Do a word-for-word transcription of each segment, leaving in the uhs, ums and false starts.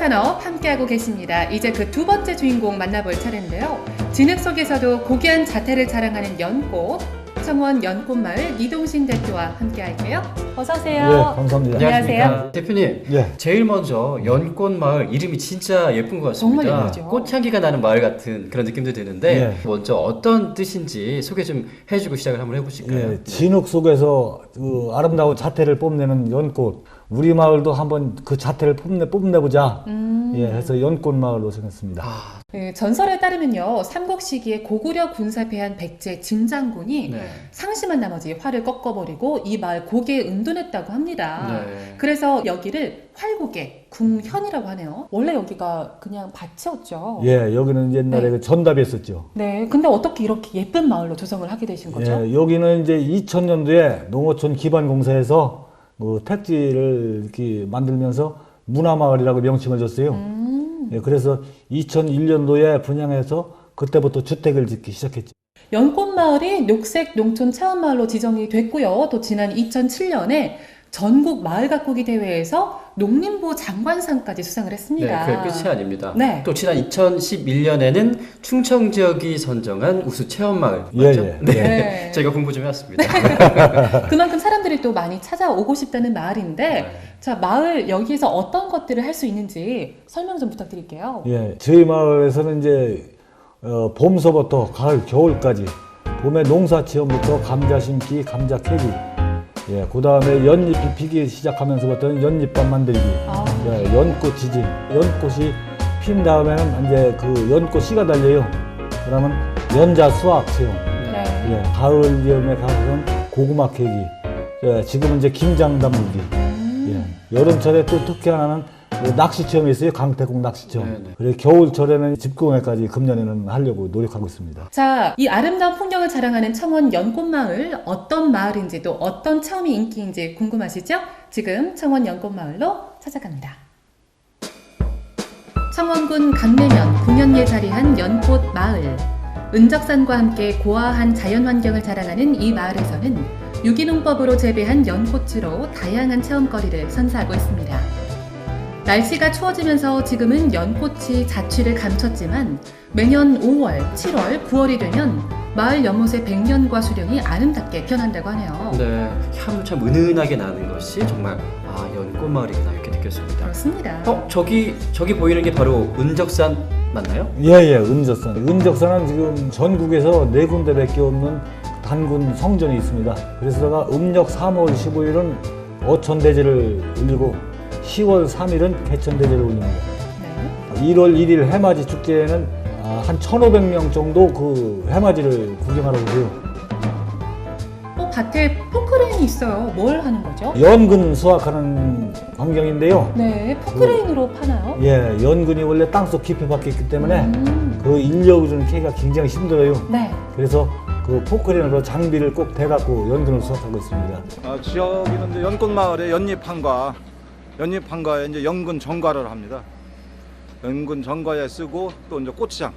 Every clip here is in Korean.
산업 함께하고 계십니다. 이제 그 두 번째 주인공 만나볼 차례인데요. 진흙 속에서도 고귀한 자태를 자랑하는 연꽃, 청원 연꽃마을 이동신 대표와 함께할게요. 어서 오세요. 네, 감사합니다. 안녕하세요. 대표님, 예. 제일 먼저 연꽃마을 이름이 진짜 예쁜 것 같습니다. 정말 예쁘죠. 꽃향기가 나는 마을 같은 그런 느낌도 드는데 예. 먼저 어떤 뜻인지 소개 좀 해주고 시작을 한번 해보실까요? 예, 진흙 속에서 그 아름다운 자태를 뽐내는 연꽃. 우리 마을도 한번 그 자태를 뽐내 뽐내보자. 음. 예, 해서 연꽃 마을로 정했습니다. 아, 네, 전설에 따르면요, 삼국 시기에 고구려 군사패한 백제 진장군이 네. 상심한 나머지 활을 꺾어버리고 이 마을 고개에 은둔했다고 합니다. 네. 그래서 여기를 활고개, 궁현이라고 하네요. 원래 여기가 그냥 밭이었죠. 예, 여기는 옛날에 네. 그 전답이었었죠. 네, 근데 어떻게 이렇게 예쁜 마을로 조성을 하게 되신 거죠? 예, 여기는 이제 이천 년도에 농어촌 기반공사에서 그 택지를 이렇게 만들면서 문화마을이라고 명칭을 줬어요. 음. 예, 그래서 이천일 년도에 분양해서 그때부터 주택을 짓기 시작했죠. 연꽃마을이 녹색 농촌 체험마을로 지정이 됐고요. 또 지난 이천칠 년에 전국 마을 가꾸기 대회에서 농림부 장관상까지 수상을 네, 했습니다. 그게 끝이 아닙니다. 네. 또 지난 이천십일 년에는 충청 지역이 선정한 우수 체험마을 예, 맞죠? 예. 네. 네. 저희가 공부 좀 해왔습니다. 그만큼 사람들이 또 많이 찾아오고 싶다는 마을인데, 네. 자, 마을 여기에서 어떤 것들을 할 수 있는지 설명 좀 부탁드릴게요. 예, 저희 마을에서는 이제 어, 봄서부터 가을, 겨울까지 봄에 농사 체험부터 감자 심기, 감자 캐기, 예, 그 다음에 연잎이 피기 시작하면서부터는 연잎밥 만들기, 아. 예, 연꽃 지진, 연꽃이 핀 다음에는 이제 그 연꽃 씨가 달려요. 그러면 연자 수확 체험, 네. 예, 가을 여름에 가서는 고구마 캐기, 예, 지금은 이제 김장 담그기, 음. 예, 여름철에 또 특히 하나는 그 낚시 체험이 있어요. 강태공 낚시 체험. 네네. 그리고 겨울철에는 집공예까지 금년에는 하려고 노력하고 있습니다. 자, 이 아름다운 풍경을 자랑하는 청원 연꽃마을, 어떤 마을인지 또 어떤 체험이 인기인지 궁금하시죠? 지금 청원 연꽃마을로 찾아갑니다. 청원군 강내면 궁연리에 자리한 연꽃마을. 은적산과 함께 고화한 자연환경을 자랑하는 이 마을에서는 유기농법으로 재배한 연꽃으로 다양한 체험거리를 선사하고 있습니다. 날씨가 추워지면서 지금은 연꽃이 자취를 감췄지만 매년 오월, 칠월, 구월이 되면 마을 연못의 백년과 수령이 아름답게 변한다고 하네요. 네, 향도 참 은은하게 나는 것이 정말 아 연꽃마을이구나 이렇게 느꼈습니다. 그렇습니다. 어 저기 저기 보이는 게 바로 은적산 맞나요? 예예, 은적산. 은적산은 지금 전국에서 네 군데밖에 없는 단군 성전이 있습니다. 그래서다가 음력 삼월 십오일은 어천대제를 올리고 시월 삼일은 개천대제를 올립니다. 네. 일월 일일 해맞이 축제에는 한 천오백 명 정도 그 해맞이를 구경하러 오세요. 어, 밭에 포크레인이 있어요. 뭘 하는 거죠? 연근 수확하는 광경인데요. 네, 포크레인으로 파나요? 예, 연근이 원래 땅속 깊이 박혀 있기 때문에 음. 그 인력을 캐기가 굉장히 힘들어요. 네. 그래서 그 포크레인으로 장비를 꼭 대갖고 연근을 수확하고 있습니다. 어, 지역에는 이제 연꽃마을에 연잎한과, 연잎한과에 이제 연근 정과를 합니다. 연근 정과에 쓰고 또 이제 고추장,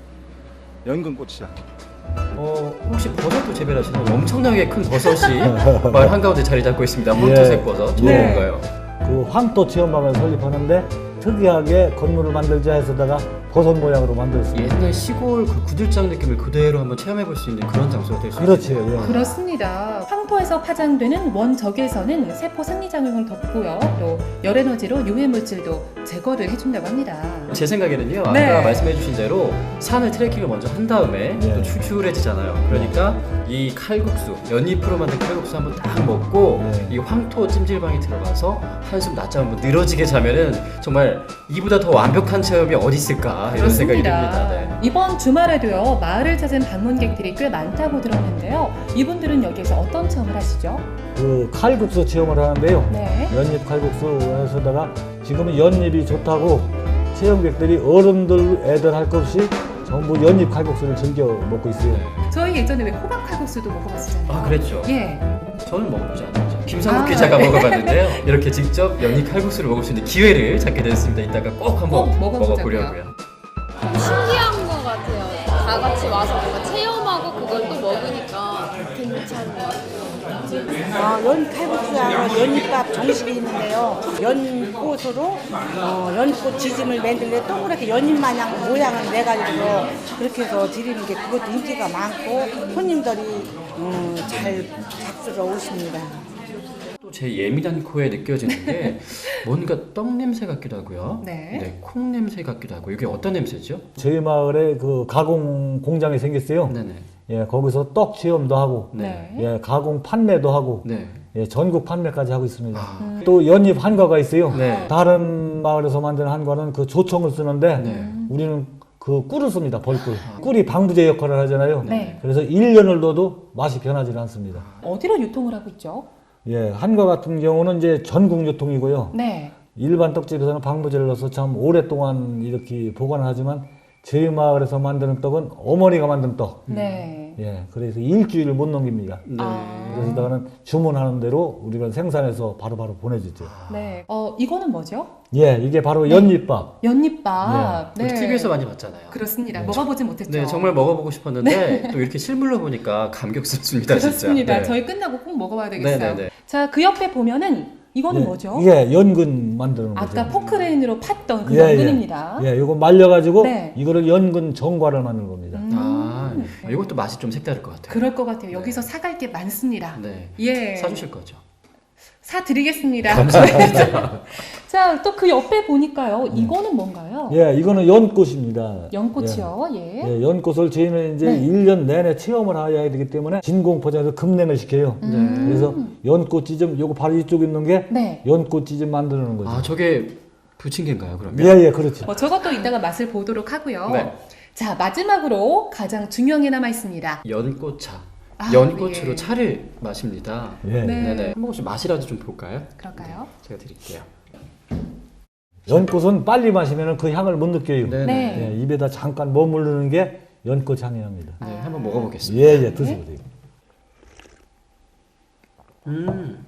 연근 고추장. 어 혹시 버섯도 재배하시나요? 엄청나게 큰 버섯이 마을 한가운데 자리 잡고 있습니다. 황토색 버섯. 저건 네. 뭔가요? 그 황토 체험방을 설립하는데 특이하게 건물을 만들자 해서다가 버섯 모양으로 만들었습니다. 옛날 시골 그 구들장 느낌을 그대로 한번 체험해 볼 수 있는 그런 장소가 될 수 그렇죠. 있겠네요. 예. 그렇습니다. 황토에서 파장되는 원적외선은 세포 생리작용을 덮고요. 또 열에너지로 유해물질도 제거를 해준다고 합니다. 제 생각에는요, 아까 네. 말씀해주신 대로 산을 트레킹을 먼저 한 다음에 네. 또 출출해지잖아요. 그러니까 이 칼국수, 연잎으로 만든 칼국수 한번 딱 먹고 네. 이 황토 찜질방에 들어가서 한숨 낮잠 한번 늘어지게 자면은 정말 이보다 더 완벽한 체험이 어디 있을까 이런 생각이 듭니다. 네. 이번 주말에도요, 마을을 찾은 방문객들이 꽤 많다고 들었는데요. 이분들은 여기에서 어떤 체험을 하시죠? 그 칼국수 체험을 하는데요. 네. 연잎 칼국수에서다가 지금은 연잎이 좋다고 체험객들이 어른들 애들 할 것 없이 전부 연잎 칼국수를 즐겨 먹고 있어요. 저희 예전에 왜 호박 칼국수도 먹어봤잖아요. 아 그랬죠. 예. 저는 먹어보지 않았죠. 김상국 아, 기자가 네. 먹어봤는데요. 이렇게 직접 연잎 칼국수를 먹을 수 있는 기회를 찾게 됐습니다. 이따가 꼭 한번 꼭 먹어보자고요. 먹어보려고요. 신기한 것 같아요. 다 같이 와서 뭔가 체험하고 그걸 또 먹으니까 괜찮은 것 같아요. 어, 연 칼국수하고 연잎밥 정식이 있는데요. 연꽃으로 어, 연꽃 지짐을 만들래 동그랗게 연잎 마냥 모양을 내가지고 그렇게 해서 드리는 게 그것도 인기가 많고 손님들이 음, 잘 잡수러 오십니다. 또 제 예민한 코에 느껴지는 게 뭔가 떡 냄새 같기도 하고요. 네. 콩 냄새 같기도 하고 이게 어떤 냄새죠? 저희 마을에 그 가공 공장이 생겼어요. 네네. 예, 거기서 떡 체험도 하고, 네. 예, 가공 판매도 하고, 네. 예, 전국 판매까지 하고 있습니다. 아. 또 연잎 한과가 있어요. 네. 다른 마을에서 만든 한과는 그 조청을 쓰는데 네. 우리는 그 꿀을 씁니다. 벌꿀. 꿀이 방부제 역할을 하잖아요. 네. 그래서 일 년을 둬도 맛이 변하지 않습니다. 어디로 유통을 하고 있죠? 예, 한과 같은 경우는 이제 전국 유통이고요. 네. 일반 떡집에서는 방부제를 넣어서 참 오랫동안 이렇게 보관을 하지만 저희 마을에서 만드는 떡은 어머니가 만든 떡. 네. 예, 그래서 일주일을 못 넘깁니다. 네. 아. 그래서 나는 주문하는 대로 우리가 생산해서 바로바로 보내주죠. 네. 어, 이거는 뭐죠? 예, 이게 바로 연잎밥. 연잎밥. 우리 티비에서 많이 봤잖아요. 그렇습니다. 네. 먹어보진 못했죠. 네, 정말 먹어보고 싶었는데 또 이렇게 실물로 보니까 감격스럽습니다. 그렇습니다. 진짜. 네. 저희 끝나고 꼭 먹어봐야 되겠어요. 네네네. 자, 그 옆에 보면은 이거는 예, 뭐죠? 예, 연근 만드는 거죠. 아까 포크레인으로 팠던 그 예, 연근입니다. 예, 이거 말려가지고 네. 이거를 연근 정과를 만드는 겁니다. 음. 아, 이것도 맛이 좀 색다를 것 같아요. 그럴 것 같아요. 네. 여기서 사갈 게 많습니다. 네. 예. 사주실 거죠? 사드리겠습니다. 감사합니다. 자, 또 그 옆에 보니까요. 이거는 뭔가요? 예, 이거는 연꽃입니다. 연꽃이요. 예. 예, 예, 연꽃을 저희는 이제 네. 일 년 내내 체험을 해야 되기 때문에 진공포장해서 급냉을 시켜요. 음. 그래서 연꽃 찌점, 요거 바로 이쪽에 있는 게 네. 연꽃 찌점 만드는 거죠. 아, 저게 부침개인가요, 그러면? 예, 예, 그렇죠. 뭐 저것도 이따가 맛을 보도록 하고요. 네. 자, 마지막으로 가장 중요한 게 남아 있습니다. 연꽃차. 아, 연꽃으로 예. 차를 마십니다. 예. 네. 네네. 한 모금씩 맛이라도 좀 볼까요? 그럴까요? 제가 드릴게요. 연꽃은 빨리 마시면 그 향을 못 느껴요. 네네. 네. 예, 입에다 잠깐 머무르는 게 연꽃 향이랍니다. 네, 한번 먹어보겠습니다. 예, 예, 드셔보세요. 음.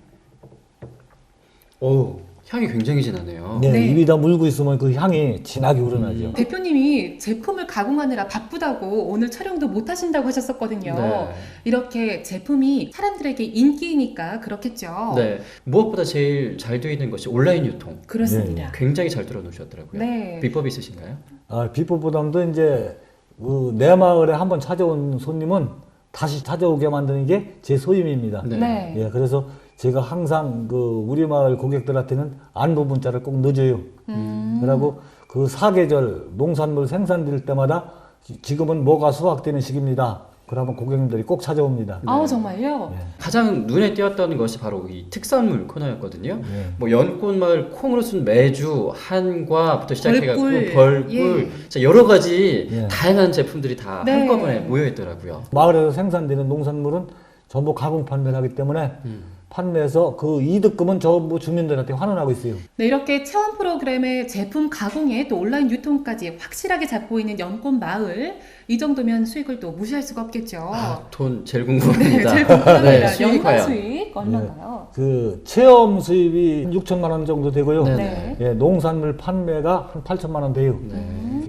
오, 향이 굉장히 진하네요. 네, 네. 입에다 물고 있으면 그 향이 진하게 우러나죠. 대표님이 제품을 가공하느라 바쁘다고 오늘 촬영도 못 하신다고 하셨었거든요. 네. 이렇게 제품이 사람들에게 인기니까 그렇겠죠. 네. 무엇보다 제일 잘 되어 있는 것이 온라인 유통. 그렇습니다. 굉장히 잘 들어 놓으셨더라고요. 네. 비법이 있으신가요? 아, 비법보다도 이제 그 내 마을에 한번 찾아온 손님은 다시 찾아오게 만드는 게 제 소임입니다. 네. 네. 예, 그래서 제가 항상 그 우리 마을 고객들한테는 안부 문자를 꼭 넣어줘요. 음. 그리고 그 사계절 농산물 생산될 때마다 지- 지금은 뭐가 수확되는 시기입니다. 그러면 고객님들이 꼭 찾아옵니다. 아우, 정말요? 예. 가장 눈에 띄었던 것이 바로 이 특산물 코너였거든요. 예. 뭐 연꽃마을 콩으로 쓴 매주, 한과부터 시작해갖고 벌꿀. 벌꿀, 예. 자, 여러 가지 예. 다양한 제품들이 다 네. 한꺼번에 모여있더라고요. 마을에서 생산되는 농산물은 전부 가공 판매를 하기 때문에 음. 판매해서 그 이득금은 전부 주민들한테 환원하고 있어요. 네, 이렇게 체험 프로그램의 제품 가공에 또 온라인 유통까지 확실하게 잡고 있는 연꽃 마을. 이 정도면 수익을 또 무시할 수가 없겠죠. 아, 돈 제일 네, 궁금합니다. 제일 궁금합니다. 네, 수익이 연간 과연. 수익 얼마나요? 그 체험 수입이 육천만 원 정도 되고요. 네. 네. 예, 농산물 판매가 한 팔천만 원 돼요. 네.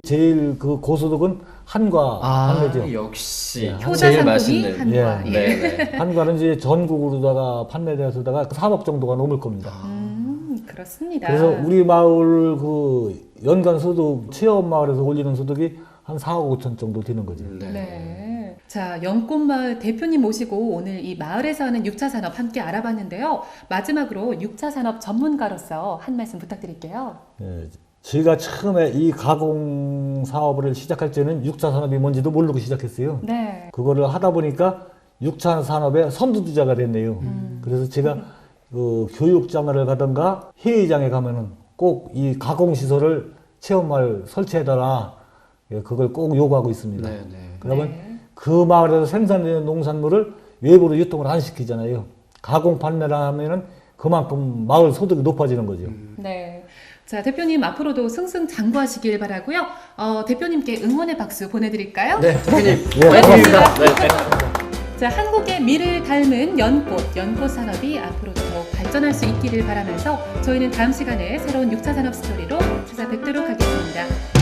제일 그 고소득은 한과 아, 판매죠. 역시 예. 효자 제일 상품이 맛있는. 한과. 예. 예. 네, 네. 한과는 이제 전국으로다가 판매되어서다가 삼억 정도가 넘을 겁니다. 음, 그렇습니다. 그래서 우리 마을 그 연간 소득 체험 마을에서 올리는 소득이 한 사억 오천 정도 되는 거죠. 네. 네. 자, 연꽃마을 대표님 모시고 오늘 이 마을에서 하는 육 차 산업 함께 알아봤는데요. 마지막으로 육 차 산업 전문가로서 한 말씀 부탁드릴게요. 예, 저희가 처음에 이 가공 사업을 시작할 때는 육 차 산업이 뭔지도 모르고 시작했어요. 네. 그거를 하다 보니까 육 차 산업의 선두주자가 됐네요. 음. 그래서 제가 그 교육장을 가든가 회의장에 가면은 꼭 이 가공 시설을 체험마을 설치해달라. 예, 그걸 꼭 요구하고 있습니다. 네, 네. 그러면 네. 그 마을에서 생산되는 농산물을 외부로 유통을 안 시키잖아요. 가공 판매를 하면은 그만큼 마을 소득이 높아지는 거죠. 네. 자, 대표님 앞으로도 승승장구하시길 바라고요. 어, 대표님께 응원의 박수 보내드릴까요? 네, 대표님. 예, 화이팅입니다. 네. 자, 한국의 미를 닮은 연꽃, 연꽃 산업이 앞으로도 더욱 발전할 수 있기를 바라면서 저희는 다음 시간에 새로운 육 차 산업 스토리로 찾아뵙도록 하겠습니다.